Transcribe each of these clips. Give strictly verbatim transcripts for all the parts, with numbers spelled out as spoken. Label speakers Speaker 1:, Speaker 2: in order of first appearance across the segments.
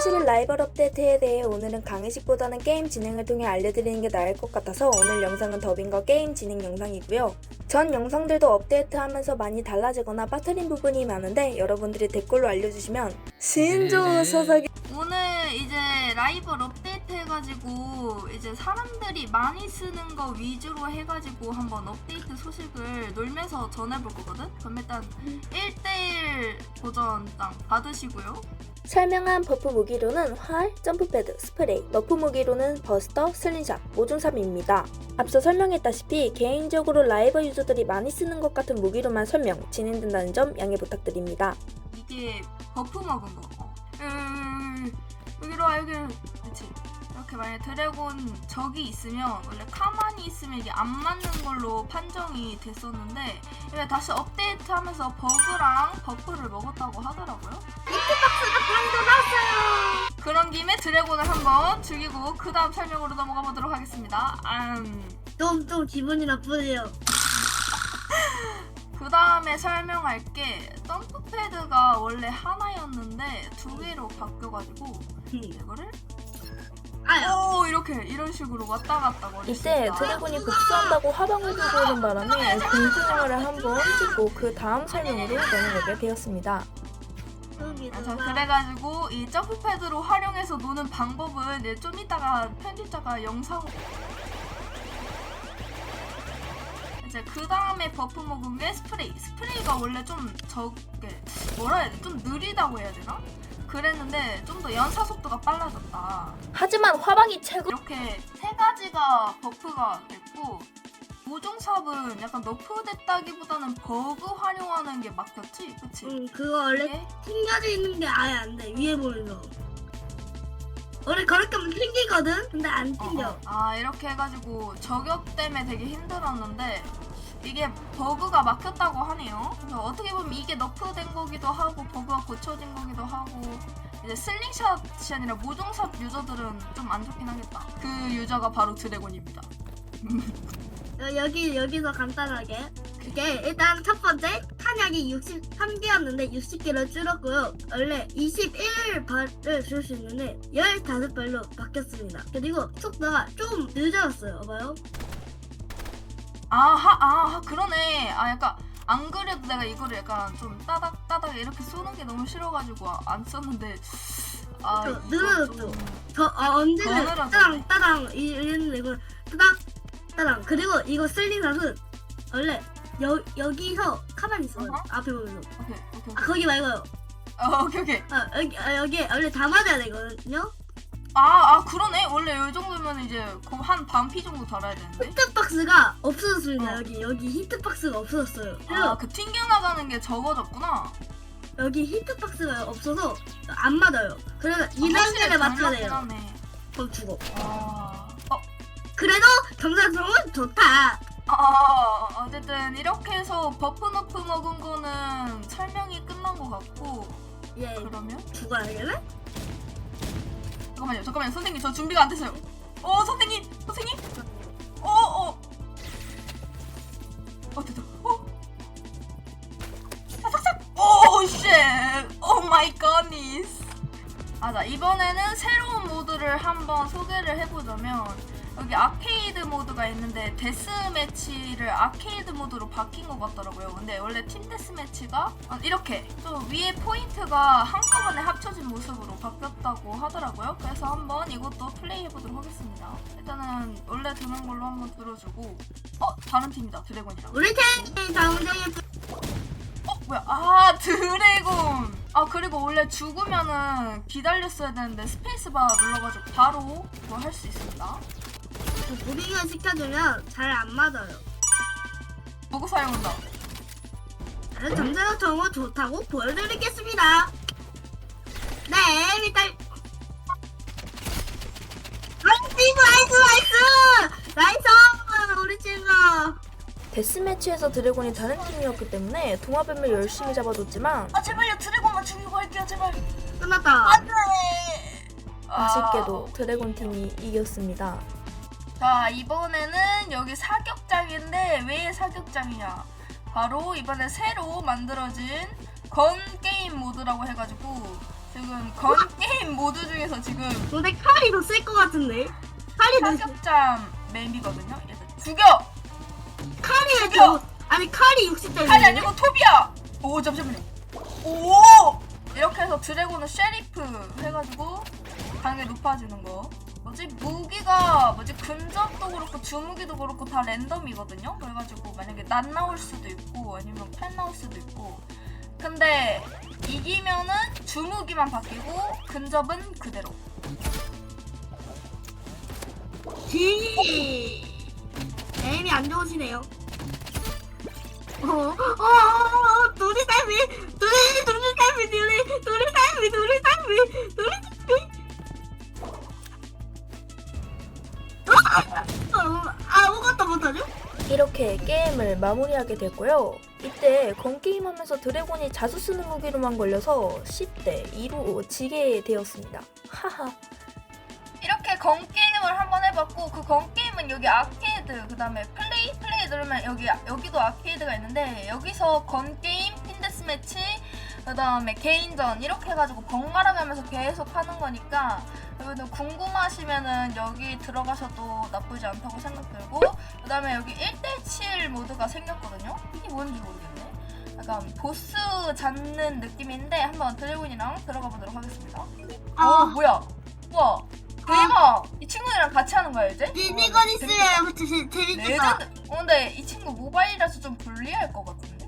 Speaker 1: 이천십일 라이벌 업데이트에 대해 오늘은 강의식보다는 게임 진행을 통해 알려드리는 게 나을 것 같아서 오늘 영상은 더빙과 게임 진행 영상이고요. 전 영상들도 업데이트하면서 많이 달라지거나 빠뜨린 부분이 많은데 여러분들이 댓글로 알려주시면 신조사사기
Speaker 2: 오늘 이제 라이벌 업데이트 해가지고 이제 사람들이 많이 쓰는 거 위주로 해가지고 한번 업데이트 소식을 놀면서 전해볼 거거든? 그럼 일단 일 대일 도전장 받으시고요.
Speaker 1: 설명한 버프 무기로는 활, 점프패드, 스프레이, 너프 무기로는 버스터, 슬링샷, 모종삽입니다. 앞서 설명했다시피 개인적으로 라이벌 유저들이 많이 쓰는 것 같은 무기로만 설명, 진행된다는 점 양해 부탁드립니다.
Speaker 2: 이게 버프 먹은 거. 어. 음, 여기로 와, 여기. 그치. 이렇게 만약에 드래곤 적이 있으면 원래 가만히 있으면 이게 안 맞는 걸로 판정이 됐었는데 이게 다시 업데이트하면서 버그랑 버프를 먹었다고 하더라고요.
Speaker 3: 히트박스가 방금 나왔어요.
Speaker 2: 그런 김에 드래곤을 한번 죽이고 그 다음 설명으로 넘어가 보도록 하겠습니다. 음.
Speaker 3: 좀, 좀 기분이 나쁘네요.
Speaker 2: 그 다음에 설명할 게 점프패드가 원래 하나였는데 두 개로 바뀌어가지고 이거를
Speaker 3: 아유.
Speaker 2: 오 이렇게 이런 식으로 왔다 갔다 거릴 수
Speaker 1: 이때
Speaker 2: 있다.
Speaker 1: 드래곤이 복수한다고 화방을 들고 오는 바람에 공중영화를 한번 찍고 그 다음 설명으로 넘어가게 되었습니다.
Speaker 2: 아, 자, 그래가지고 이 점프패드로 활용해서 노는 방법은 이제 좀 이따가 편집자가 영상 이제 그 다음에 버프 먹은 게 스프레이. 스프레이가 원래 좀 적게 뭐라 해야 돼? 좀 느리다고 해야 되나? 그랬는데 좀 더 연사 속도가 빨라졌다.
Speaker 1: 하지만 화방이 최고!
Speaker 2: 이렇게 세 가지가 버프가 됐고 모종삽은 약간 너프됐다기보다는 버그 활용하는 게 막혔지? 그치?
Speaker 3: 응, 그거 원래
Speaker 2: 이게?
Speaker 3: 튕겨져 있는 게 아예 안 돼. 위에 보는 거. 원래 그렇게 하면 튕기거든? 근데 안
Speaker 2: 어,
Speaker 3: 튕겨.
Speaker 2: 어. 아 이렇게 해가지고 저격 때문에 되게 힘들었는데 이게 버그가 막혔다고 하네요. 그래서 어떻게 보면 이게 너프된 거기도 하고 버그가 고쳐진 거기도 하고 이제 슬링샷이 아니라 모종삽 유저들은 좀 안 좋긴 하겠다. 그 유저가 바로 드래곤입니다.
Speaker 3: 여- 여기, 여기서 간단하게. 그게 일단 첫 번째, 탄약이 육십삼 개였는데 육십 개로 줄었고요. 원래 이십일 발을 줄 수 있는데 십오 발로 바뀌었습니다. 그리고 속도가 좀 늦어졌어요. 봐봐요.
Speaker 2: 아하 아 그러네. 아 약간 안 그래도 내가 이거를 약간 좀 따닥 따닥 이렇게 쏘는 게 너무 싫어가지고 아, 안 썼는데 아
Speaker 3: 저,
Speaker 2: 이거
Speaker 3: 늘어졌죠?
Speaker 2: 좀
Speaker 3: 저 아, 언제는
Speaker 2: 더 늘어졌네.
Speaker 3: 따당 따당 이랬는데 이거 따당 따당. 그리고 이거 슬링샷은 원래 여, 여기서 가만히 있어요.
Speaker 2: 어허.
Speaker 3: 앞에 보면서.
Speaker 2: 오케이 오케이
Speaker 3: 아, 거기 말고요.
Speaker 2: 어, 오케이 오케이
Speaker 3: 아, 여기, 아, 여기 원래 다 맞아야 되거든요.
Speaker 2: 아, 아 그러네. 원래 이 정도면 이제 거의 한 반피 정도 달아야 되는데.
Speaker 3: 히트박스가 없어졌습니다.
Speaker 2: 어.
Speaker 3: 여기 여기 히트박스가 없어졌어요. 그래서
Speaker 2: 아, 그 튕겨나가는 게 적어졌구나.
Speaker 3: 여기 히트박스가 없어서 안 맞아요. 그래서 이
Speaker 2: 아, 확실히
Speaker 3: 단계를 맞춰야
Speaker 2: 달랐긴
Speaker 3: 돼요.
Speaker 2: 하네.
Speaker 3: 그럼 죽어.
Speaker 2: 아, 어,
Speaker 3: 그래도 경사성은 좋다.
Speaker 2: 아, 어쨌든 이렇게 해서 버프 너프 먹은 거는 설명이 끝난 것 같고
Speaker 3: 예,
Speaker 2: 그러면
Speaker 3: 죽어야 되겠네?
Speaker 2: 잠깐만요, 잠깐만요, 선생님 저 준비가 안 됐어요. 어, 선생님, 선생님, 어, 어, 어 됐다. 어, 삭삭삭. 오, 쉣, 오 마이 갓니스. 아, 자 이번에는 새로운 모드를 한번 소개를 해보자면 여기 아케이드 모드가 있는데 데스매치를 아케이드 모드로 바뀐 것 같더라고요. 근데 원래 팀 데스매치가 이렇게 좀 위에 포인트가 한꺼번에 합쳐진 모습으로 바뀌었다고 하더라고요. 그래서 한번 이것도 플레이 해보도록 하겠습니다. 일단은 원래 드는 걸로 한번 들어주고 어? 다른 팀이다. 드래곤이랑.
Speaker 3: 우리 팀 당장에
Speaker 2: 어? 뭐야? 아 드래곤! 아 그리고 원래 죽으면은 기다렸어야 되는데 스페이스바 눌러가지고 바로 뭐 할 수 있습니다.
Speaker 3: 무빙을 시켜주면 잘 안 맞아요.
Speaker 2: 보고 사용한다.
Speaker 3: 정세로 정보 좋다고 보여드리겠습니다. 네, 일단 나이스 나이스 나이스 나이스 우리 친구.
Speaker 1: 데스매치에서 드래곤이 다른 팀이었기 때문에 동화뱀을 열심히 잡아줬지만
Speaker 2: 아 제발요 드래곤만 죽이고 할게요 제발.
Speaker 3: 끝났다.
Speaker 2: 안돼.
Speaker 1: 아쉽게도 드래곤 팀이 이겼습니다.
Speaker 2: 자 이번에는 여기 사격장인데 왜 사격장이냐? 바로 이번에 새로 만들어진 건 게임 모드라고 해가지고 지금 건 게임 모드 중에서 지금
Speaker 3: 근데 칼이 더 쓸 것 같은데. 칼이 더
Speaker 2: 사격장 맵이거든요. 얘들 죽여!
Speaker 3: 칼이
Speaker 2: 죽여!
Speaker 3: 더 아니 칼이 육십 짜리.
Speaker 2: 칼이 아니고 톱이야! 오 잠시만요. 오! 이렇게 해서 드래곤은 셰리프 해가지고 가능하게 높아지는 거. 뭐지? 무기가 뭐지? 근접도 그렇고 주무기도 그렇고 다 랜덤이거든요. 그래가지고 만약에 낫 나올 수도 있고 아니면 팔 나올 수도 있고. 근데 이기면은 주무기만 바뀌고 근접은 그대로.
Speaker 3: 지. 에임이 안 좋으시네요. 어, 어, 어, 어, 둘이 삶이, 둘이, 둘이 삶이, 둘이, 둘이 삶이, 둘이 삶이, 둘이 삶이. 어, 아무것도 못하죠?
Speaker 1: 이렇게 게임을 마무리하게 되고요. 이때 건게임 하면서 드래곤이 자주 쓰는 무기로만 걸려서 십 대 이로 지게 되었습니다. 하하.
Speaker 2: 이렇게 건 게임을 한번 해봤고 그 건 게임은 여기 아케이드 그 다음에 플레이 플레이 누르면 여기 여기도 아케이드가 있는데 여기서 건 게임 핀데스 매치 그 다음에 개인전 이렇게 해가지고 번갈아 가면서 계속 하는 거니까 여러분들 궁금하시면은 여기 들어가셔도 나쁘지 않다고 생각 들고 그 다음에 여기 일 대 칠 모드가 생겼거든요. 이게 뭔지 모르겠네. 약간 보스 잡는 느낌인데 한번 드래곤이랑 들어가 보도록 하겠습니다.
Speaker 3: 아.
Speaker 2: 오 뭐야? 우와 대박! 이 친구들이랑 같이 하는 거야 이제?
Speaker 3: 미니건 있으면 재- 재밌겠다.
Speaker 2: 레전드! 어, 근데 이 친구 모바일이라서 좀 불리할 것 같은데?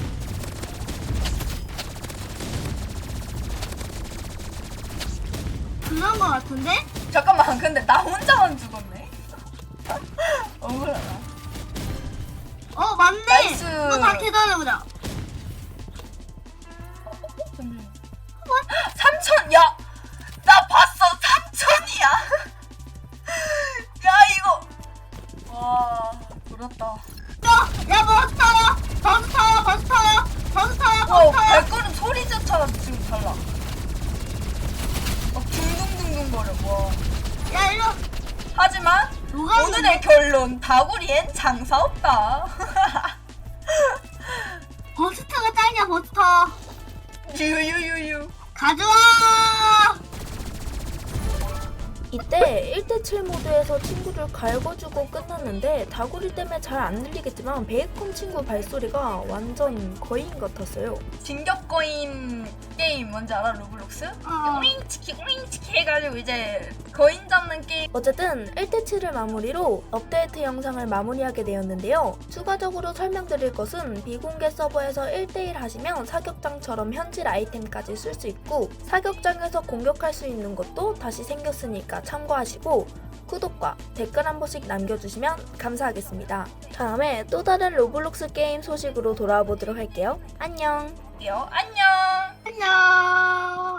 Speaker 3: 그런 거 같은데?
Speaker 2: 잠깐만 근데 나 혼자만 죽었네? 억울하다.
Speaker 3: 어, 맞네!
Speaker 2: 나이스.
Speaker 3: 또 다 계산해보자.
Speaker 2: 삼천! 야! 나 봤어! 삼천이야! 야 이거! 와 부럽다.
Speaker 3: 야, 야, 버스 타요! 버스 타요! 버스 타요! 버스 타요!
Speaker 2: 와
Speaker 3: 버스 타요!
Speaker 2: 발걸음 소리 자체가 지금 달라. 막 둥둥둥둥 거려. 와.
Speaker 3: 야, 이리 와.
Speaker 2: 하지만
Speaker 3: 누가
Speaker 2: 오늘의 결론 다구리엔 장사 없다.
Speaker 3: 버스터가 짱이야, 버스터.
Speaker 2: 유유유유.
Speaker 3: 가져와!
Speaker 1: 이때 일 대 칠 모드에서 친구를 갈궈주고 끝났는데 다구리 때문에 잘 안 들리겠지만 베이컨 친구 발소리가 완전 거인 같았어요.
Speaker 2: 진격거인 게임 뭔지 알아? 로블록스?
Speaker 3: 어.
Speaker 2: 오잉치키 오잉치키 해가지고 이제 거인 잡는 게임.
Speaker 1: 어쨌든 일 대 칠을 마무리로 업데이트 영상을 마무리하게 되었는데요. 추가적으로 설명드릴 것은 비공개 서버에서 일 대 일 하시면 사격장처럼 현질 아이템까지 쓸 수 있고 사격장에서 공격할 수 있는 것도 다시 생겼으니까 참고하시고 구독과 댓글 한 번씩 남겨주시면 감사하겠습니다. 다음에 또 다른 로블록스 게임 소식으로 돌아와 보도록 할게요. 안녕!
Speaker 2: 안녕.
Speaker 3: 안녕!